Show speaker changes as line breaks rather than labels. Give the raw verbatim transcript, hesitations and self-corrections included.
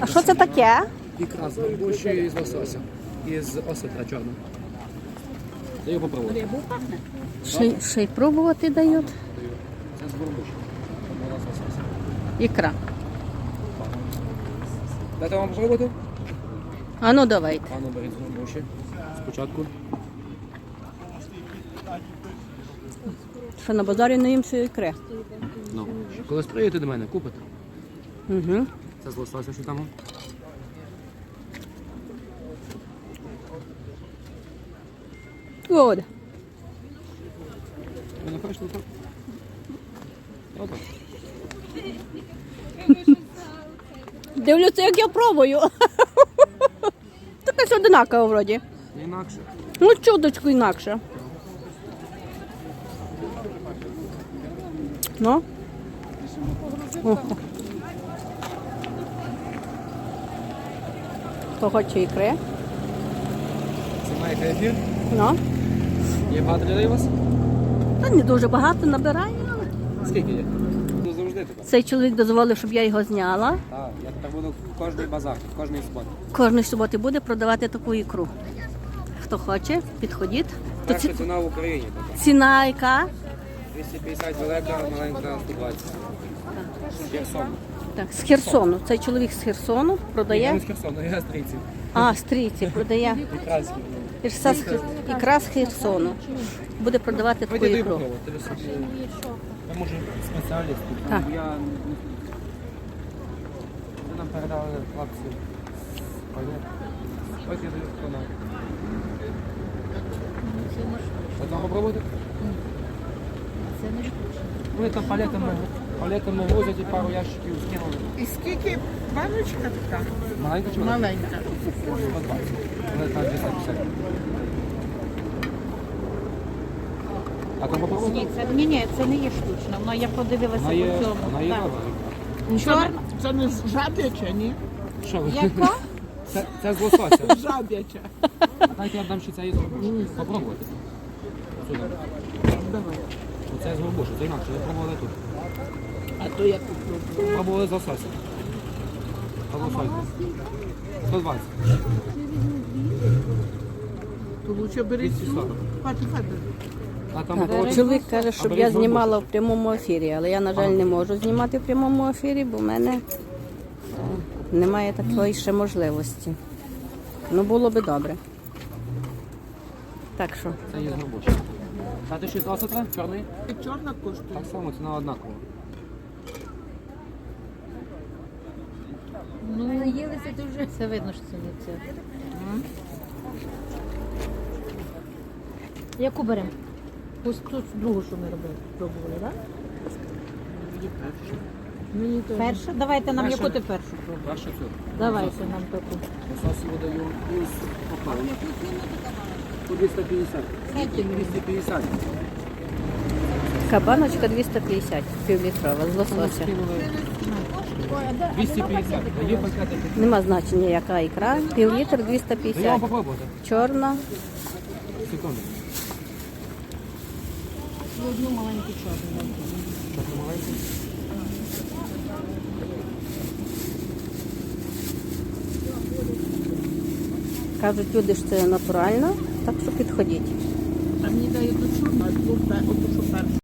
А що це таке?
Ікра з горбуші і з лосося. І з осетра чорного. Даю попробувати.
Ще, ще й пробувати дають.
Це з горбуші. Вона з лосося.
Ікра.
Дайте вам попробувати?
А ну давайте.
А ну беріть з горбуші. Спочатку.
Що на базарі не їм всю ікри.
Ну. Коли приїдете до мене, купите.
Угу.
Це з лосося, що там.
От.
Ви не хочете так? Отак.
Дивлюся, як я пробую. Така ж одинакова вроді.
Інакше.
Ну, чудочку інакше. Ну. Ого. Хто хоче ікри?
Це має ефір.
Ну.
Є багато людей у вас?
Та не дуже багато набирає, але
Скільки є? Ну, завжди так.
цей чоловік дозволив, щоб я його зняла.
Так, я тепер буду в кожний базар, в кожний суботу.
Кожної суботи буде продавати таку ікру. Хто хоче, підходіть. То
Перша
ці...
ціна в Україні така.
Ціна яка?
двісті п'ятдесят велика, маленька сто двадцять. Херсон.
Так, з Херсону. Цей чоловік з Херсону
Я
продає.
не з Херсону, я з Трійців.
А, з Трійці продає.
Якраз.
Ірса з Хер- Ікра з Херсону. Буде продавати таку
Пойди
ікру.
попробуй. Я може спеціаліст тут.
Так.
Я не Ви нам передали хлопці. Ось я даю хто нам. Одна попробуйте? Вони там палетами, палетами возять і пару ящиків скинули.
І скільки баночка така?
Маленька чи велика?
Маленька.
сто двадцять. Вона там двісті п'ятдесят. А там попробуйте?
Ні, це, ні, ні, це не є штучно. Воно я подивилася
Вона є,
по цьому.
вона є
Так.
добра.
Чорна? Це не жаб'яча, ні?
Що ви?
Яка?
Це, це з лосося.
Жаб'яча.
Дайте я дам ще це із горбушу. Попробуйте. Сюди.
Давай.
Оце з горбушу, це інакше. Ви пробували тут.
А то я попробую.
Пробували з лосося. Голосуйте. сто двадцять.
То лучше беріть
двісті
цю.
сорок.
Хватить, хватить.
А там
Так,
було-
чоловік каже,
А
щоб
беріть
я
з горбушу.
знімала в прямому ефірі, але я, на жаль, не можу знімати в прямому ефірі, бо в мене е, немає такої ще можливості. Ну, було би добре. Так що,
Це є з горбушу. Дати ще з лосося? Чорний?
І чорна коштує.
Так само, ціна однакова.
Ну, наїлися дуже. Це видно, що це не це. Яку беремо? Ось тут другу, що ми робили, пробували, так?
Мені то.
Перша? Давайте нам
Перша.
яку ти першу пробуєш.
Перше цю.
Давайте нам таку.
Лосось видаю із попалом. По двісті п'ятдесят. двісті п'ятдесят.
кабаночка двісті п'ятдесят, півлітрова, з лосося.
двісті п'ятдесят. Даю пакети.
Нема значення, яка ікра. Півлітр двісті
Даю вам
п'ятдесят.
попробувати.
Чорна.
Секунду.
Одну маленьку чорну.
Що це маленький?
Кажуть, люди ж це натурально, так що підходіть.
А мені дають ту чорну, а ту, оту, що першу.